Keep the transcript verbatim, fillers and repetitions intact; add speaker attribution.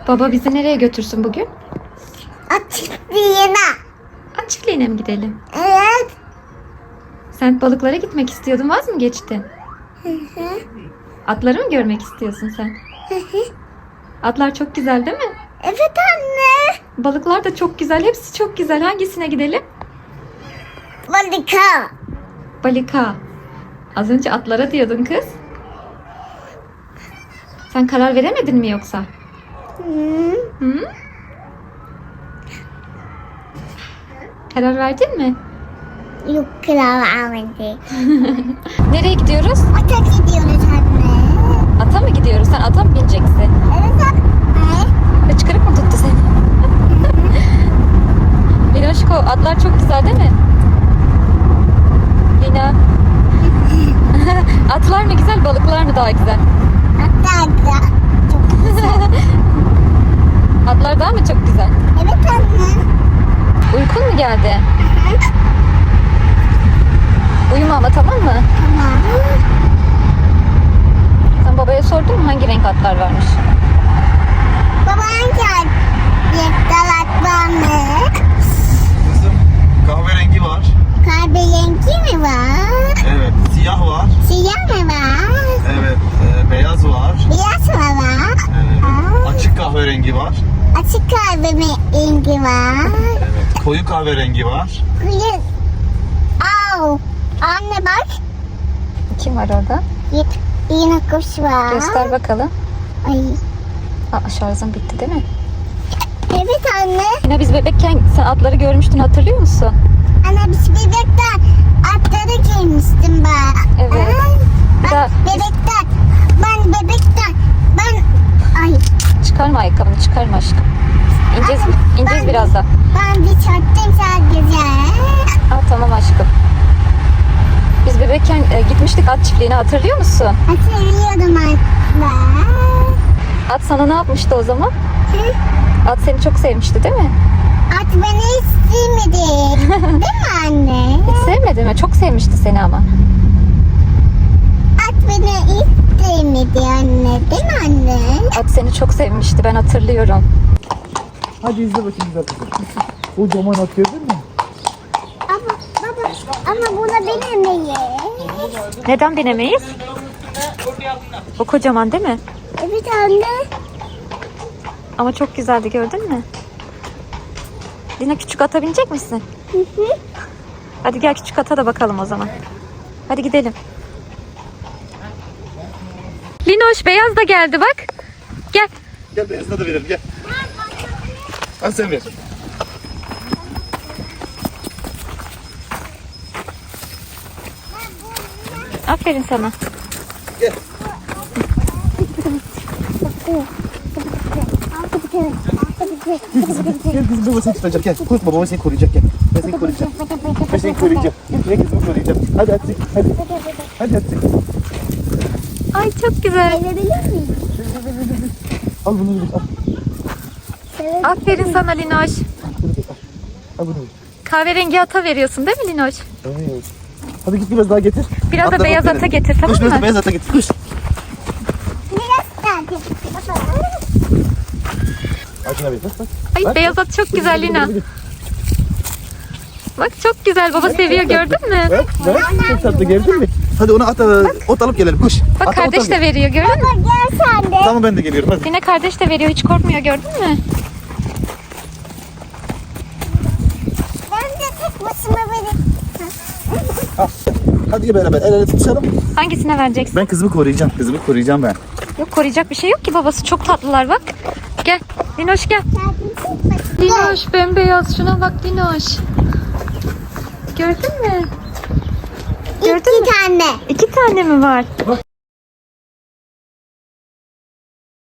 Speaker 1: Baba bizi nereye götürsün bugün?
Speaker 2: Açıklığına.
Speaker 1: At çiftliğine mi gidelim?
Speaker 2: Evet.
Speaker 1: Sen balıklara gitmek istiyordun, vaz mı geçtin?
Speaker 2: Hı hı.
Speaker 1: Atları mı görmek istiyorsun sen?
Speaker 2: Hı hı.
Speaker 1: Atlar çok güzel değil mi?
Speaker 2: Evet anne.
Speaker 1: Balıklar da çok güzel. Hepsi çok güzel. Hangisine gidelim?
Speaker 2: Balika.
Speaker 1: Balika. Az önce atlara diyordun kız. Sen karar veremedin mi yoksa?
Speaker 2: Hı.
Speaker 1: Hı? Karar verdin mi?
Speaker 2: Yok kral Ahmet'i.
Speaker 1: Nereye gidiyoruz?
Speaker 2: Ata gidiyoruz anne.
Speaker 1: Ata mı gidiyoruz? Sen ata mı bineceksin?
Speaker 2: Evet anne.
Speaker 1: Hıçkırık mı tuttu seni? Linoşko, atlar çok güzel değil mi? Lina. Atlar mı güzel, balıklar mı daha güzel?
Speaker 2: Hatta da çok güzel.
Speaker 1: Atlar daha mı çok güzel?
Speaker 2: Evet anne.
Speaker 1: Uykun mu geldi? Uyuma ama, tamam mı?
Speaker 2: Tamam.
Speaker 1: Sen babaya sordun mu hangi renk atlar varmış?
Speaker 2: Baban geldi. Yektalat var mı?
Speaker 3: Kızım kahverengi var.
Speaker 2: Kahverengi mi var?
Speaker 3: Evet. Siyah var.
Speaker 2: Siyah mı var?
Speaker 3: Evet. e, beyaz var.
Speaker 2: Beyaz mı var?
Speaker 3: Evet.
Speaker 2: Aa.
Speaker 3: Açık kahverengi var.
Speaker 2: Açık kahverengi var.
Speaker 3: Evet. Koyu kahverengi var.
Speaker 2: Kıyı. Au. Anne bak.
Speaker 1: Kim var orada?
Speaker 2: Y- Yine kuş var.
Speaker 1: Göster bakalım.
Speaker 2: Ay.
Speaker 1: Aa, şarjın bitti değil mi?
Speaker 2: Evet anne.
Speaker 1: Lina, biz bebekken sen atları görmüştün, hatırlıyor musun?
Speaker 2: Anne biz bebekten atları giymiştim ben.
Speaker 1: Evet.
Speaker 2: Ay,
Speaker 1: Bir daha-
Speaker 2: ben bebekten. Ben bebekten. Ben. Ay.
Speaker 1: Çıkarma ayakkabını, çıkarma aşkım. İneceğiz,
Speaker 2: Anne,
Speaker 1: ineceğiz
Speaker 2: ben-
Speaker 1: birazdan.
Speaker 2: Ben bir çaktım sadece.
Speaker 1: Aa, tamam aşkım. Biz bebekken e, gitmiştik at çiftliğine, hatırlıyor musun?
Speaker 2: Hatırlıyordum anne.
Speaker 1: At sana ne yapmıştı o zaman?
Speaker 2: Hı?
Speaker 1: At seni çok sevmişti değil mi?
Speaker 2: At beni hiç sevmedi. Değil mi anne?
Speaker 1: Hiç sevmedi mi? Çok sevmişti seni ama.
Speaker 2: At beni hiç sevmedi anne. Değil mi anne?
Speaker 1: At seni çok sevmişti, ben hatırlıyorum.
Speaker 3: Hadi izle bakayım güzel kızım. Kocaman at gördün mü?
Speaker 2: Ama baba ama buna binemeyiz.
Speaker 1: Neden binemeyiz? O kocaman değil mi?
Speaker 2: Evet anne.
Speaker 1: Ama çok güzeldi, gördün mü? Lina, küçük ata binecek misin?
Speaker 2: Hı hı.
Speaker 1: Hadi gel küçük ata da bakalım o zaman. Hadi gidelim. Linoş, beyaz da geldi bak. Gel.
Speaker 3: Gel beyazına da verelim gel. Al sen ver.
Speaker 1: Aferin sana.
Speaker 3: Gel. Gel kızım baba seni tutacak gel. Korkma baba seni koruyacak gel. Ben seni koruyacağım. Ben seni koruyacağım. Gel kızımı koruyacağım. Hadi hadi hadi. Hadi hadi.
Speaker 1: Ay çok güzel.
Speaker 2: Sevebilir miyim?
Speaker 3: Al bunu ver. Al.
Speaker 1: Aferin sana Linoş.
Speaker 3: Al bunu ver.
Speaker 1: Kahverengi ata veriyorsun değil mi Linoş?
Speaker 3: Evet. Hadi git biraz daha getir.
Speaker 1: Biraz da
Speaker 3: Atla
Speaker 1: beyaz
Speaker 3: bak
Speaker 1: ata
Speaker 3: verelim.
Speaker 1: getir, tamam
Speaker 3: Koş biraz da
Speaker 1: mı?
Speaker 3: beyaz ata getir. Koş.
Speaker 2: Biraz daha. Baba.
Speaker 3: Açın abi bak bak.
Speaker 1: Ay
Speaker 3: Bak,
Speaker 1: beyaz
Speaker 3: bak.
Speaker 1: at çok
Speaker 3: Hadi,
Speaker 1: güzel
Speaker 3: hadi,
Speaker 1: Lina.
Speaker 3: hadi, hadi.
Speaker 1: Bak çok güzel, baba seviyor, gördün mü?
Speaker 3: Bak bak çok tatlı gördün mü? Hadi ona at, ot alıp gelelim koş.
Speaker 1: Bak
Speaker 3: Ata ot
Speaker 1: kardeş
Speaker 3: al
Speaker 1: de
Speaker 3: gel.
Speaker 1: veriyor, gördün mü?
Speaker 2: Baba gel sen de.
Speaker 3: Tamam ben de geliyorum hadi.
Speaker 1: Lina kardeş de veriyor, hiç korkmuyor, gördün mü?
Speaker 2: Ben de tek başıma verip.
Speaker 3: Al. Hadi beraber el ele tutuşalım.
Speaker 1: Hangisine vereceksin?
Speaker 3: Ben kızımı koruyacağım. Kızımı koruyacağım ben.
Speaker 1: Yok, koruyacak bir şey yok ki, babası çok tatlılar bak. Gel Linoş, gel. Linoş bembeyaz, şuna bak Linoş. Gördün mü? Gördün
Speaker 2: İki
Speaker 1: mü?
Speaker 2: tane.
Speaker 1: İki tane mi var?
Speaker 3: Bak